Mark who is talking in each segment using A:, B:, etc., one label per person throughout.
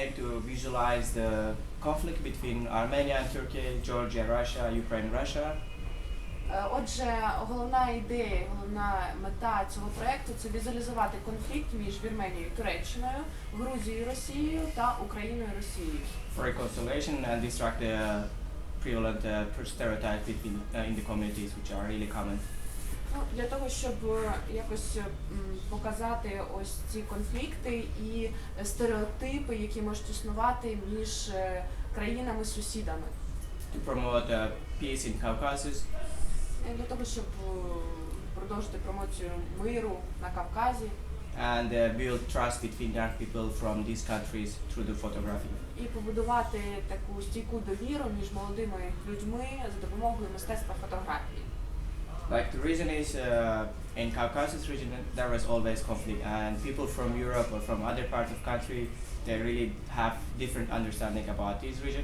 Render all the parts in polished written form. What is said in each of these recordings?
A: way to visualize the conflict between Armenia and Turkey, Georgia, Russia, Ukraine, Russia.
B: Отже, головна ідея, головна мета цього проєкту – це візуалізувати конфлікт між Вірменією і Туреччиною, Грузією і Росією та Україною і Росією.
A: For reconciliation and distract the prevalent stereotype in the communities, which are really common.
B: Для того, щоб якось показати ось ці конфлікти і стереотипи, які можуть існувати між країнами-сусідами.
A: To promote peace in Caucasus.
B: Для того, щоб продовжити промоцію миру на Кавказі.
A: And build trust between young people from these countries through the photography.
B: І побудувати таку стійку довіру між молодими людьми за допомогою мистецтва фотографії.
A: Like the reason is in Caucasus region there was always conflict, and people from Europe or from other parts of country they really have different understanding about this region.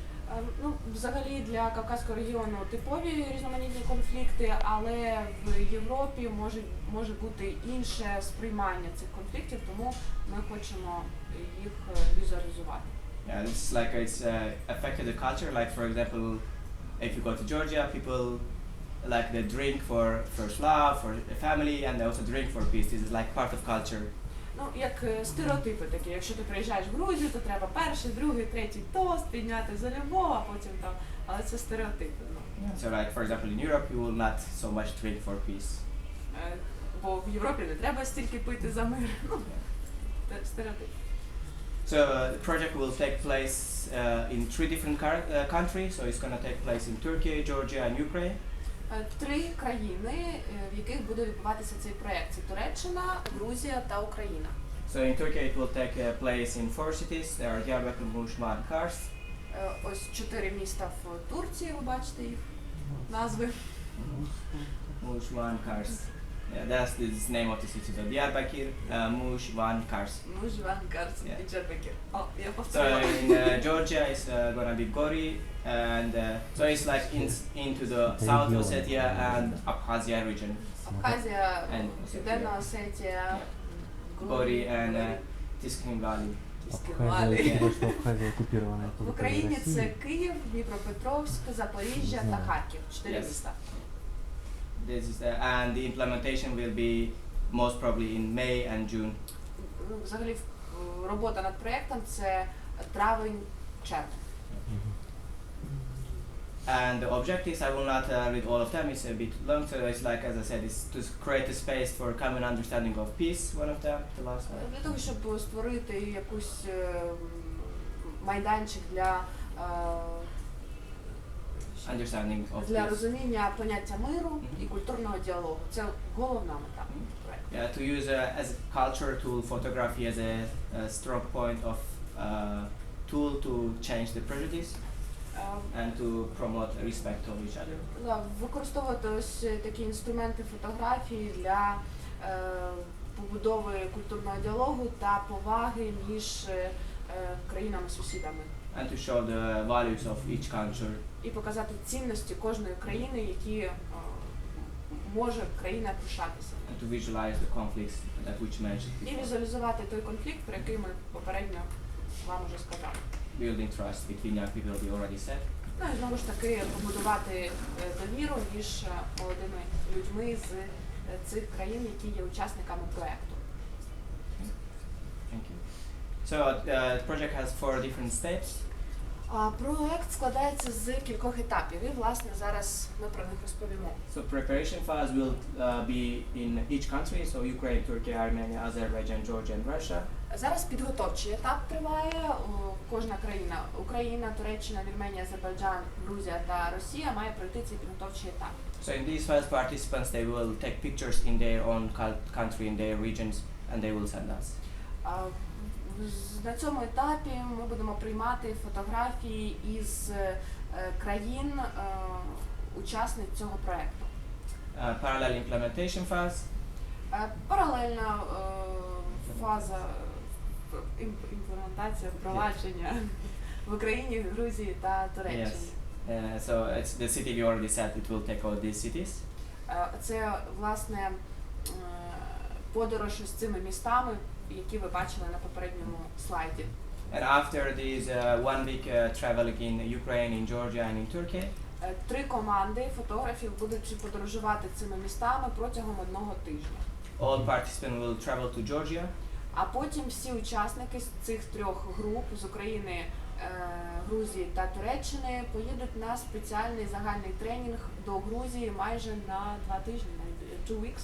B: Взагалі для Кавказького регіону типові різноманітні конфлікти, але в Європі може бути інше сприймання цих конфліктів, тому ми хочемо їх візуалізувати.
A: Yeah, it's like it's affected the culture. Like for example, if you go to Georgia, people like they drink for first love, for the family, and they also drink for peace. This is like part of culture.
B: Як стереотипи такі, якщо ти приїжджаєш в Грузію, то треба перший, другий, третій тост підняти за любов, а потім там, але це стереотипи.
A: So like for example in Europe you will not so much drink for peace.
B: Бо в Європі не треба стільки пити за мир. Стереотип.
A: So the project will take place in 3 different countries. So it's going to take place in Turkey, Georgia, and Ukraine.
B: 3 країни, в яких буде відбуватися цей проєкт. Це Туреччина, Грузія та Україна.
A: So in Turkey it will take place in 4 cities. There are Diyarbakir, Muş, Kars.
B: Ось 4 міста в Турції, ви бачите їх назви.
A: Muş, Kars. Yeah, that's the name of the city. So Diyarbakir, Muş, Kars.
B: Muş, Kars і Diyarbakir. Я
A: So
B: повторила.
A: in Georgia it's gonna be Gori, and so it's like into the South Ossetia and Abkhazia region.
B: Абхазія,
A: And
B: Південна Осетія,
A: Gori and Tiskin Valley.
C: Абхазия оккупирована.
B: В Україні це Київ, Дніпропетровськ, Запоріжжя та Харків. 4
A: Yes.
B: міста.
A: This is and the implementation will be most probably in May and June.
B: Взагалі робота над проєктом це травень-червень.
A: And the objectives, I will not read all of them, it's a bit long, so it's like, as I said, it's to create a space for common understanding of peace, one of them, the last one.
B: Для того, щоб створити якусь майданчик для
A: Understanding of
B: для
A: peace.
B: розуміння поняття миру і культурного діалогу. Це головна мета проєкту.
A: Yeah, to use as a culture tool, photography as a strong point of tool to change the prejudice and to promote respect of each other.
B: Використовувати ось такі інструменти фотографії для побудови культурного діалогу та поваги між країнами-сусідами.
A: And to show the values of each culture.
B: І показати цінності кожної країни, які може країна пишатися.
A: And to visualize the conflicts that which mentioned.
B: І візуалізувати той конфлікт, про який ми попередньо вам уже сказали.
A: Building trust between young people, we already said.
B: І знову ж таки побудувати довіру між молодими людьми з цих країн, які є учасниками проєкту.
A: Thank you. So the project has 4 different steps.
B: Проект складається з кількох етапів, і, власне, зараз ми про них розповімо.
A: So preparation phase will be in each country, so Ukraine, Turkey, Armenia, Azerbaijan, Georgia, and Russia.
B: Зараз підготовчий етап триває. Кожна країна – Україна, Туреччина, Вірменія, Азербайджан, Грузія та Росія – має пройти цей підготовчий етап.
A: So in these first participants, they will take pictures in their own country, in their regions, and they will send us.
B: На цьому етапі ми будемо приймати фотографії із країн учасниць цього проєкту.
A: Parallel implementation phase.
B: Паралельна фаза імплементація, впровадження в Україні, Грузії та Туреччині.
A: Yes. So it's the city we already said it will take all these cities.
B: Це, власне, подорож з цими містами, які ви бачили на попередньому слайді.
A: And after this 1 week traveling in Ukraine, in Georgia, and in Turkey,
B: 3 команди фотографів будуть подорожувати цими містами протягом 1 тижня.
A: all participants will travel to Georgia.
B: А потім всі учасники з цих 3 груп з України, Грузії та Туреччини поїдуть на спеціальний загальний тренінг до Грузії майже на 2 тижні, 2 weeks.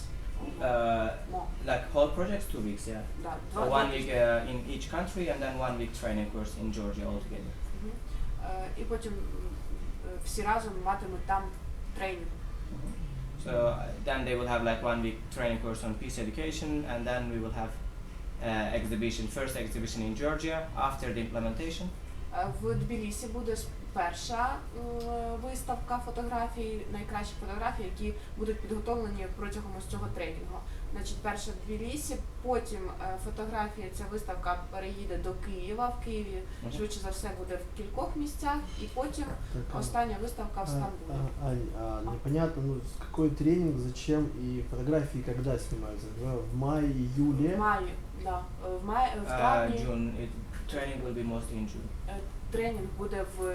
A: Like whole projects, 2 weeks, yeah.
B: Да,
A: So 1 week in each country and then 1 week training course in Georgia altogether.
B: І потім всі разом матимуть там тренінг.
A: So then they will have like 1 week training course on peace education, and then we will have first exhibition in Georgia after the implementation.
B: В Тбілісі буде перша виставка фотографій, найкращі фотографії, які будуть підготовлені протягом ось цього тренінгу. Значить, перша в Тбілісі, потім фотографія, ця виставка переїде до Києва. В Києві швидше за все буде в кількох місцях, і потім остання виставка в Стамбулі.
D: Непонятно, ну, какой тренинг, зачем и фотографии когда снимаются? В мае, июле?
B: В маї, да. В травні.
A: June. Training will be mostly in June.
B: Тренінг буде в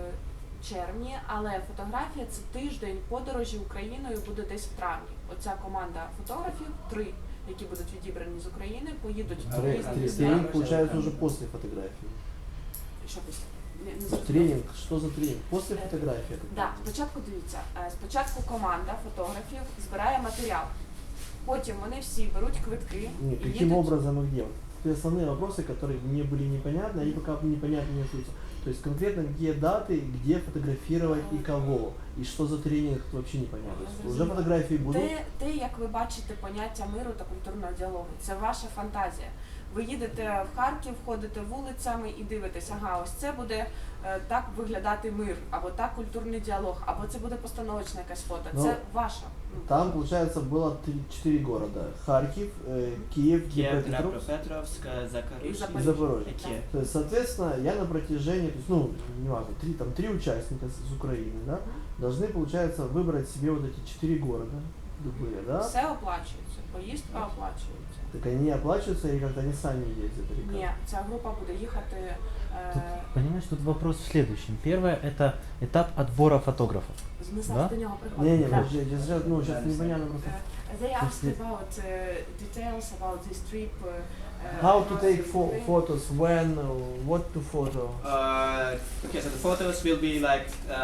B: червні, але фотографія – це тиждень подорожі Україною буде десь в травні. Оця команда фотографів, 3, які будуть відібрані з України, поїдуть в різні міста.
D: Тренинг получается уже после фотографии.
B: Що після? Не зрозуміло.
D: Тренинг, что за тренинг? После фотографии?
B: Да, спочатку дивіться, спочатку команда фотографів збирає матеріал, потім вони всі беруть квитки
D: Нет,
B: і
D: каким
B: їдуть.
D: образом и где? Вот основные вопросы, которые мне были непонятны, они пока непонятны не остаются. То есть конкретно какие даты, где фотографировать и кого, и что за тренинг, вообще непонятно. Уже фотографии будут.
B: Те, як ви бачите поняття миру та культурного діалогу, це ваша фантазія. Ви їдете в Харків, ходите вулицями і дивитесь, ага, ось це буде так виглядати мир, або так культурний діалог, або це буде постановочне якесь фото.
D: Ну,
B: Це ваша.
D: Там, получается, было 4 города. Харьков, Киев,
A: Kiev,
D: Днепропетровск
A: Dnipropetrovsk, Zaporizhzhia.
D: и Запорожье.
A: и Kiev.
D: То есть, соответственно, я на протяжении, то есть, ну, неважно, 3 участника с Украины, да, должны, получается, выбрать себе вот эти 4 города, любые, да?
B: Все оплачується, поїздка оплачується.
D: Так они оплачиваются или как-то они сами ездят? Или как?
B: Ні, ця група буде їхати.
C: Тут, понимаешь, тут вопрос в следующем. Первое – это этап отбора фотографов.
B: Ми
C: Да?
B: зараз до нього приходимо.
D: Не-не,
B: Да.
D: сейчас непонятно просто.
B: They asked about details about this trip.
D: How to take
B: Ukraine.
D: photos, when, what to photo.
A: Okay, so the photos will be like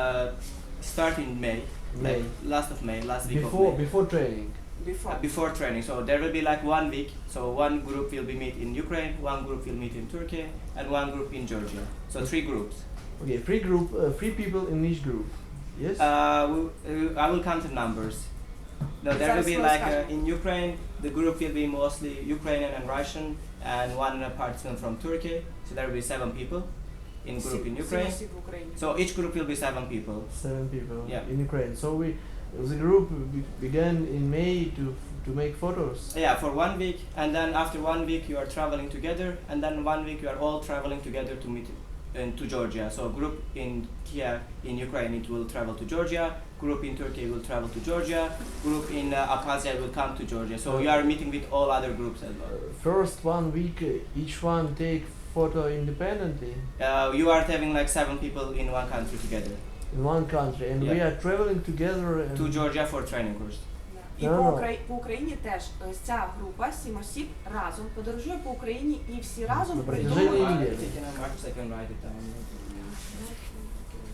A: start in May,
D: May.
A: like last week of May.
D: Before training.
A: Before training, so there will be like 1 week. So 1 group will be meet in Ukraine, 1 group will meet in Turkey, and 1 group in Georgia. So 3 groups.
D: Okay, 3 people in each group. Yes?
A: I will count the numbers. No, there will be like in Ukraine, the group will be mostly Ukrainian and Russian, and 1 participant from Turkey. So there will be 7 people in group in Ukraine.
B: Всі в Україні.
A: So each group will be 7 people.
D: 7 people
A: Yeah.
D: in Ukraine. So the group began in May to make photos.
A: Yeah, for 1 week, and then after 1 week you are traveling together, and then 1 week you are all traveling together to meet to Georgia. So group in Kiev in Ukraine it will travel to Georgia. Group in Turkey will travel to Georgia. Group in Abkhazia will come to Georgia. So you are meeting with all other groups as well.
D: First 1 week, each one take photo independently
A: You are having like 7 people in one country together
D: in one country, and we
A: Yeah.
D: are traveling together. And
A: to Georgia for training course.
B: І
D: No.
B: по Україні теж ось ця група 7 осіб разом подорожує по Україні і всі разом
D: На
B: придумують.
D: протяжении
A: I
D: недели.
A: can write it down.